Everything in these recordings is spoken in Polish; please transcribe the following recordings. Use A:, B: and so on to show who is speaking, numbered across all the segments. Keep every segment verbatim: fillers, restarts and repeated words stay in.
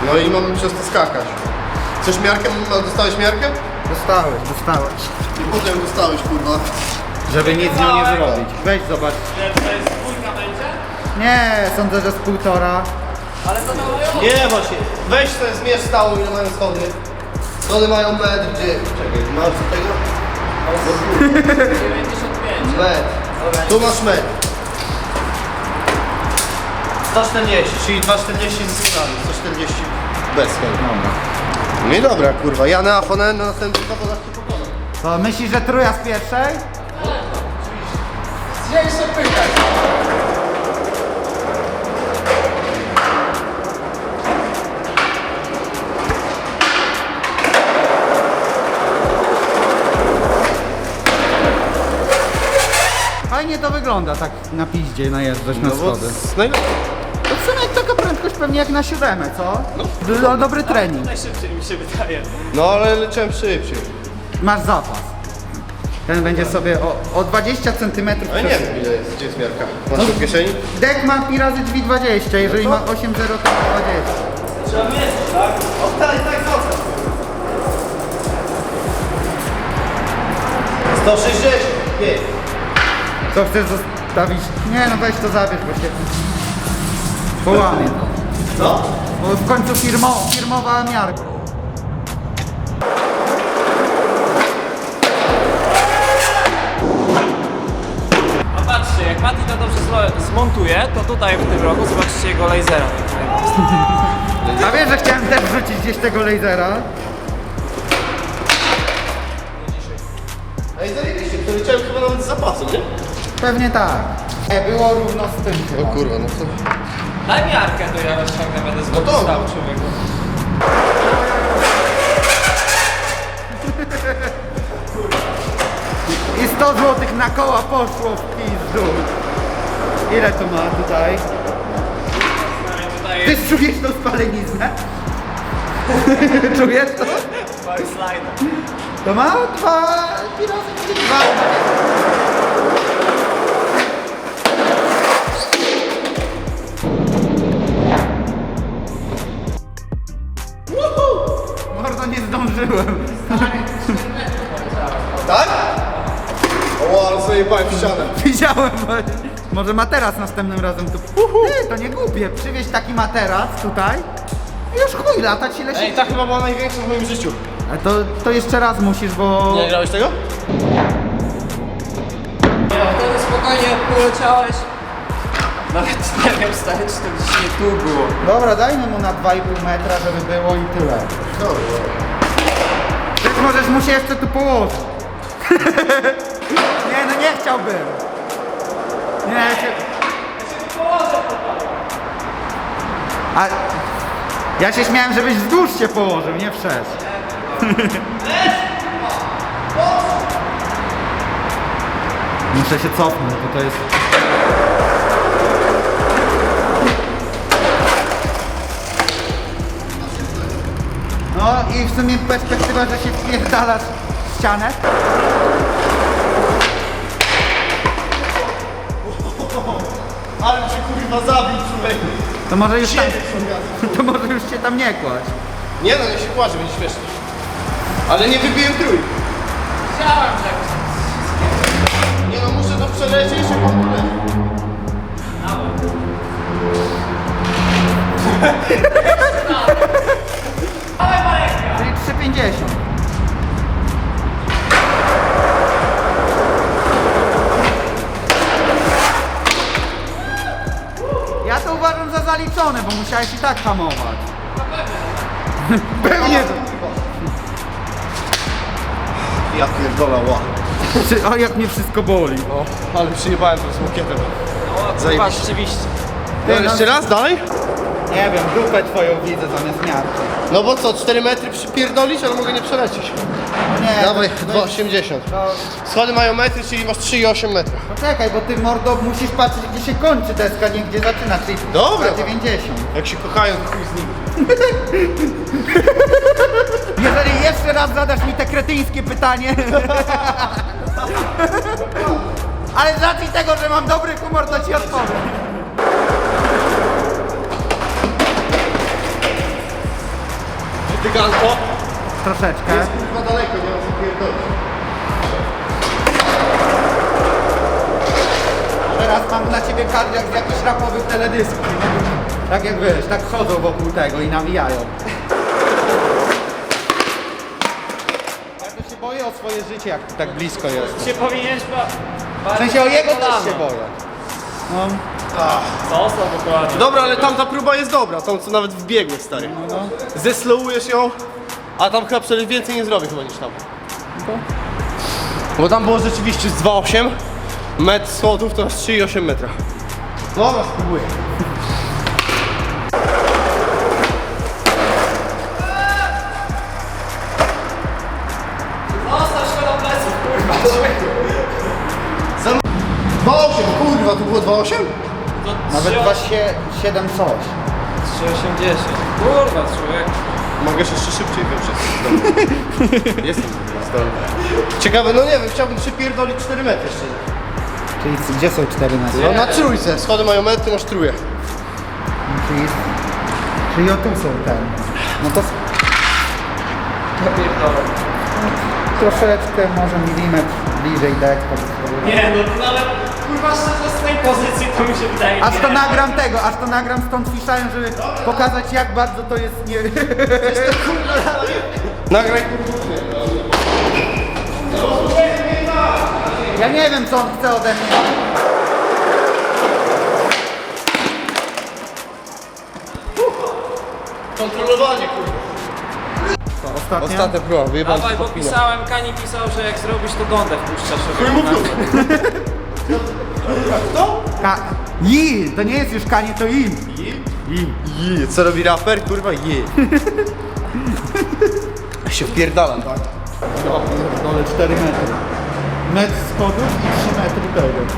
A: No i mamy przez to skakać. Chcesz miarkę? Dostałeś miarkę?
B: Dostałeś, dostałeś.
A: I potem dostałeś, kurwa.
B: Żeby nic z nią nie zrobić. Weź zobacz.
C: To jest dwójka będzie?
B: Nie, sądzę, że z półtora.
C: Ale to mało.
A: Nie, właśnie. Weź sobie zmierz stałą, ile mają schody. Schody mają metr, gdzie? Czekaj, masz co tego?
C: dziewięćdziesiąt pięć.
A: Metr. Tu masz metr. sto czterdzieści, czyli dwa czterdzieści z schodami. sto czterdzieści bez schodów.
B: Dobra.
A: No i dobra, kurwa. Ja na Afonę na następnym zawodach nie pokonam.
B: To myślisz, że truja z pierwszej?
A: Gdzie jeszcze pytać?
B: Fajnie to wygląda tak na piździe najeżdżać na schody.
A: najlepiej.
B: To w sumie taka prędkość pewnie jak na siódemę, co? Do, dobry trening.
C: Najszybciej mi się wydaje.
A: No ale leciałem szybciej.
B: Masz zapas. Ten będzie sobie o, o dwadzieścia centymetrów.
A: Ale nie wiem ile jest, gdzie jest miarka. Masz tu w kieszeni?
B: Dek ma pi razy drzwi dwadzieścia, jeżeli ma osiem zero to ma dwadzieścia.
C: Trzeba mierzyć, tak?
A: O tak, tak, zostaw. sto sześćdziesiąt. Nie.
B: Co chcesz zostawić? Nie no weź to zabierz, bo się połamie.
A: Co?
B: Bo w końcu firmo, firmowa miarka.
C: A patrzcie, jak Mati to dobrze zlo- zmontuje, to tutaj w tym roku zobaczycie jego lasera.
B: A wiesz, że chciałem też wrzucić gdzieś tego lasera?
A: Ej, zajebiście, to leciałem chyba nawet z zapasu, nie?
B: Pewnie tak. Nie, było równo z tym
A: O
B: chyba.
A: kurwa, no to...
C: Daj miarkę, to ja rozciągnę, będę z
A: No to-
C: stał człowieku.
B: I sto złotych na koła poszło w pizdu. Ile to ma tutaj?
C: Tutaj
B: Ty
C: jest
B: czujesz tą spaleniznę? Czujesz to?
C: mały slider.
B: To ma dwa... pi razy dwa. Mordo, nie zdążyłem.
A: Tak? O, ale sobie jebałem w ścianę.
B: Widziałem właśnie. Może materac następnym razem tu... Ty, to nie głupie. Przywieźć taki materac tutaj i już chuj, latać ile się...
A: Ej, ta chyba była największa w moim życiu.
B: A to, to jeszcze raz musisz, bo...
A: Nie grałeś tego?
C: Wtedy spokojnie poleciałeś. Nawet nie wiem stary, czy to gdzieś nie tu było.
B: Dobra, dajmy mu na dwa i pół metra, żeby było i tyle.
A: Dobra.
B: Ty możesz mu się jeszcze tu położyć. Nie, no nie chciałbym. Nie, ja się... A... Ja się śmiałem, żebyś wzdłuż się położył, nie przez. Muszę się cofnąć, bo to jest... No i w sumie perspektywa, że się wpierdalasz w ścianę.
A: Ale cię kurwa zabił, człowieku.
B: To może już tam,
A: Siedem.
B: to może już się tam nie kładź.
A: Nie no, nie się płacze, będzie śmiesznie. Ale nie wybiłem trój.
C: Chciałem, że...
A: Nie no, muszę to przelecieć i się kontrolę.
B: Czyli trzy pięćdziesiąt. Ja to uważam za zaliczone, bo musiałeś i tak hamować. Pewnie.
A: Ja pierdolę, ła.
B: Czy- O, jak mnie wszystko boli.
A: O, ale przyjebałem to z mokietem.
C: No, kurwa,
A: Zajebiście.
C: rzeczywiście.
A: No,
B: Ty, no-
A: jeszcze raz, dalej?
B: Nie wiem, dupę twoją widzę zamiast miarki.
A: No bo co, cztery metry przypierdolić, ale mogę nie przelecieć.
B: Nie,
A: Dawaj,
B: to- to
A: dwa
B: jest-
A: osiemdziesiąt.
B: to-
A: Schody mają metry, czyli masz trzy i osiem metra.
B: Poczekaj, bo ty mordo musisz patrzeć gdzie się kończy deska, nie gdzie zaczyna, czyli
A: Dobra.
B: na dziewięćdziesiąt.
A: Jak się kochają, to chuj z nimi.
B: Jeżeli jeszcze raz zadasz mi te kretyńskie pytanie. Ale z racji tego, że mam dobry humor, to ci odpowiem.
A: Dyganko.
B: Troszeczkę.
A: Jest kurwa daleko, nie mam co pierdolić.
B: Teraz mam dla ciebie kadr jak z jakichś rapowych teledysków. Tak jak wiesz, tak chodzą wokół tego i nawijają. Ja to się boję o swoje życie, jak tu tak blisko jest.
C: Się powinieneś ba-
B: W sensie o jego też
C: kolano.
B: się boję. No,
C: Został dokładnie.
A: Dobra, ale tamta próba jest dobra, tą co nawet wbiegłeś, stary. Zeslowujesz ją, a tam chyba przecież więcej nie zrobię chyba niż tam. Bo tam było rzeczywiście z dwa osiem, metr schodów to trzy i osiem metra. Dobra, spróbuję.
C: Zostaw się do pleców, kurwa.
A: dwa osiem, kurwa, tu było dwa osiem?
B: nawet dwa siedem coś.
C: trzy osiemdziesiąt. Kurwa, człowiek.
A: Mogę jeszcze szybciej wyprzeć. Jestem zdolny. Ciekawe, no nie wiem, chciałbym przypierdolić cztery metry jeszcze.
B: Czyli gdzie są cztery metry?
A: No na trójce, schody mają metr, ty masz trójkę.
B: Czyli, czyli o tu są ten. No to
C: Ja pierdolę.
B: troszeczkę, może milimetr bliżej dek.
C: Nie, no to nawet kurwa szczerze z tej pozycji to mi się wydaje.
B: Aż
C: nie.
B: to nagram tego, aż to nagram stąd fiszałem, żeby pokazać jak bardzo to jest nie...
A: Nagraj.
B: Ja nie wiem co on chce ode mnie.
A: Kontrolowanie, kurwa.
B: Co, ostatnia?
A: Ostatnia próba, wyjebałem
C: Dawaj,
A: się
C: bo
A: podpina.
C: pisałem, Kani pisał, że jak zrobisz to gądę wpuszczasz
A: Chuj
C: sobie.
A: mu w dupę.
B: Ka... Ji! To nie jest już kanie, to im.
A: Je, co robi raper? Kurwa, je. Ja się wpierdalam, tak?
B: Dole cztery metry. Metr schodów i trzy metry tego.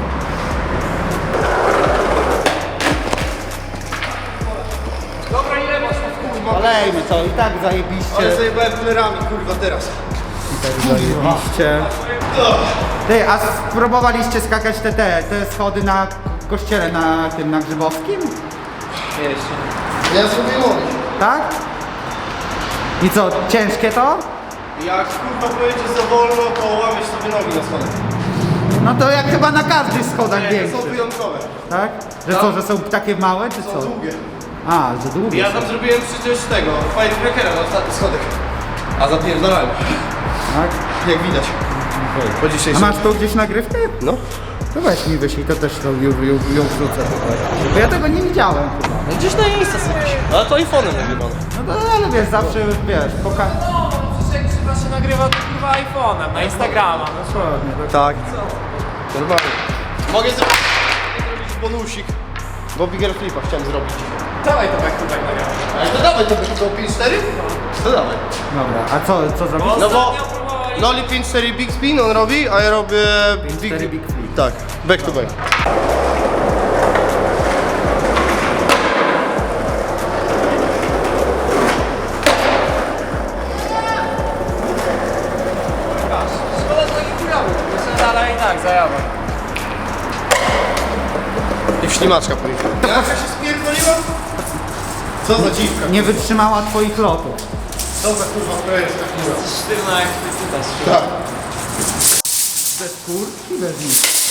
C: Dobra, ile masz kurwa?
B: Olejmy co, i tak zajebiście.
A: Ale zajebałem plerami, kurwa, teraz.
B: I tak zajebiście. Ty, a spróbowaliście skakać te, te, te schody na kościele na tym, na Grzybowskim?
C: Jeszcze.
A: Ja sobie mówię.
B: Tak? I co, ciężkie to?
A: Jak kurwa pojedziesz za wolno, to łamiesz sobie nogi na schodach.
B: No to jak chyba na każdych schodach
A: Nie, to są
B: większych,
A: wyjątkowe.
B: tak? Że co, że są takie małe, czy
A: Są
B: co?
A: długie.
B: A, że długie
A: Ja
B: są.
A: tam zrobiłem przecież tego, firecrackera na ostatni schodek. A zapierdalałem.
B: Tak?
A: Jak widać. Po
B: A
A: dzisiejszym.
B: masz tu gdzieś nagrywkę?
A: No.
B: To weź mi wyślij, to też to ją, ją, ją wrzucę tutaj. Bo ja tego nie widziałem chyba.
A: No gdzieś na Insta sobie. Ale to iPhone'em nagrywamy.
B: No to, ale wiesz, zawsze wiesz, poka...
C: No, przecież jak trzeba się nagrywa to kurwa iPhone'em, na Instagrama. No co?
B: Dokładnie, tak.
A: Tak. Normalnie. Mogę zrobić, zrobić bonusik. Bo Bigger Flipa chciałem zrobić.
C: Dawaj to jak tu tak nagramy.
A: Ale to dawaj to to pięć cztery? To dawaj.
B: Dobra, a co, co zrobić?
A: No bo
C: Ostatnio próbowaliśmy-
A: Noli pięć cztery Big Spin on robi, a ja robię
B: pięć cztery Big Flip.
A: Tak, back to back.
C: Szkoda, że taki kurawy. Myślę, ale i tak, zajawa.
A: I w ślimaczka policzył. Jaka się spierdoliła? Co za dziwka.
B: Nie wytrzymała twoich lotów.
A: Co za kurwa projekt tak mówię.
C: Sztywna jak ty tutaj.
A: Tak.
B: Bez kurki, bez nic.